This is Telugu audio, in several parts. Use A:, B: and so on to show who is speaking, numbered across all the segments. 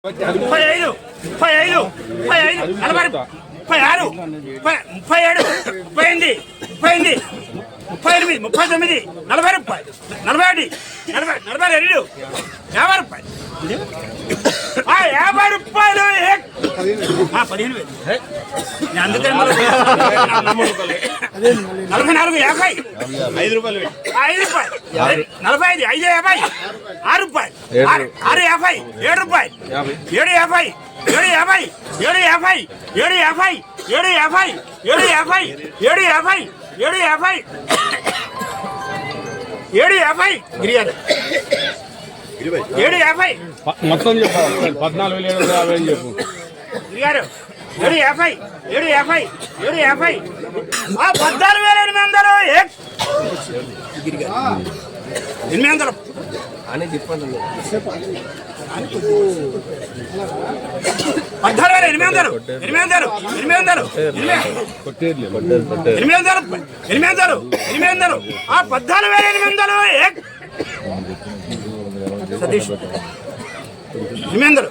A: 35, 35, 35, 40, 36, 37, 38, 38, 38, 39, 40 రూపాయలు, 41, 42, 50 రూపాయలు, 50 రూపాయలు, 15,000. అందుకని 44, 50, 5 రూపాయలు, 5 రూపాయలు, 45, 5, 50, 6 రూపాయలు, 6, 50, 7 రూపాయలు, 7, 50, 7, 50, 7, 50, 7, 50, 7, 50, 7, 50, 7, 50, 7, 50, 7, 50, గిరిగారు 7, 50
B: మొత్తం చెప్పాలి 14,750 అని చెప్పు
A: గిరిగారు 7, 50, 7, 50, 7, 50, 14,800 800
C: అని చెప్పండి
A: 14,800 సతీష్ 800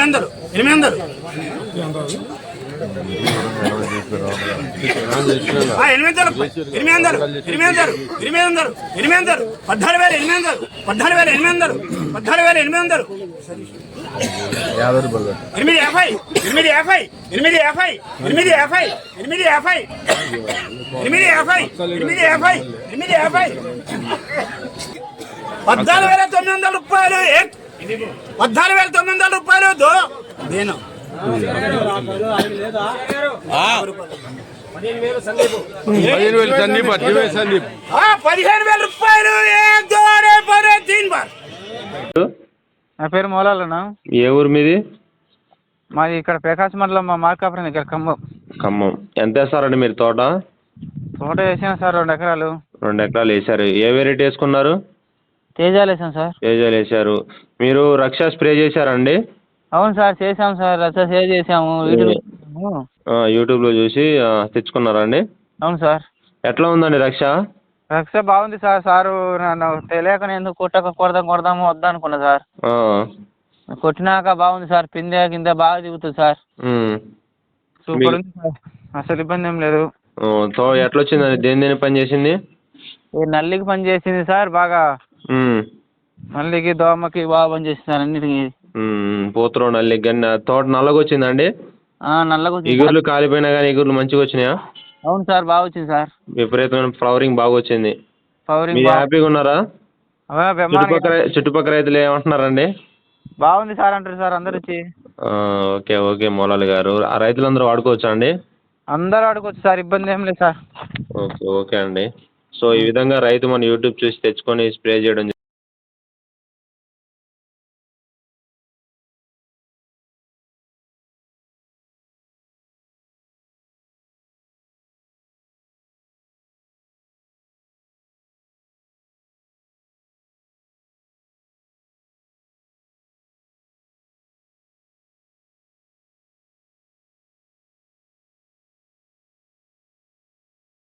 A: రూపాయలు 14,900 రూపాయలు నేను
B: 15,000 సందీప్
A: 15,000 రూపాయలు
D: నా పేరు మౌలాలన్నా.
C: ఏ ఊరు మీది?
D: మాది ఇక్కడ ప్రకాశం మండలం మా మార్కాపురం దగ్గర
C: ఖమ్మం. ఎంత వేస్తారండి మీరు తోట
D: వేసాను సార్ 2 ఎకరాలు.
C: 2 ఎకరాలు వేసారు. ఏ వెరైటీ వేసుకున్నారు?
D: తేజాలు వేసాను సార్.
C: తేజాలు వేసారు. మీరు రక్ష స్ప్రే చేశారండి?
D: అవును సార్ చేసాము సార్. రచ్చ సేవ్ చేసాము
C: యూట్యూబ్లో చూసి తెచ్చుకున్నారా అండి?
D: అవును సార్.
C: ఎట్లా ఉందండి రక్ష?
D: రక్ష బాగుంది సార్. సారు నన్ను తెలియక నేను కొడదాము వద్దా అనుకున్నా సార్. కొట్టినాక బాగుంది సార్. పిందె కింద బాగా దిగుతుంది సార్. సూపర్ ఉంది సార్. అసలు ఇబ్బంది ఏం లేదు.
C: ఎట్లా వచ్చిందండి? దేని పని చేసింది?
D: నల్లికి పని చేసింది సార్ బాగా. నల్లికి దోమకి బాగా పని చేసింది సార్. అన్నిటికి
C: పూతలో నల్లికి కానీ తోట నల్లగా వచ్చిందండి?
D: నల్లగా వచ్చింది.
C: ఇగుర్లు కాలిపోయినా కానీ ఇగుర్లు మంచిగా వచ్చినాయా?
D: అవును సార్ బాగా వచ్చింది సార్.
C: విపరీతమైన ఫ్లవరింగ్ బాగా వచ్చింది.
D: ఫ్లవరింగ్
C: హ్యాపీగా ఉన్నారా? చుట్టుపక్కల రైతులు ఏమంటున్నారండి?
D: బాగుంది సార్ అంటారు సార్ అందరు వచ్చి.
C: ఓకే మౌలాలి గారు. ఆ రైతులందరూ వాడుకోవచ్చా అండి?
D: అందరూ వాడుకోవచ్చు సార్. ఇబ్బంది ఏం లేదు సార్.
C: ఓకే అండి. సో ఈ విధంగా రైతు మన యూట్యూబ్ చూసి తెచ్చుకొని స్ప్రే చేయడం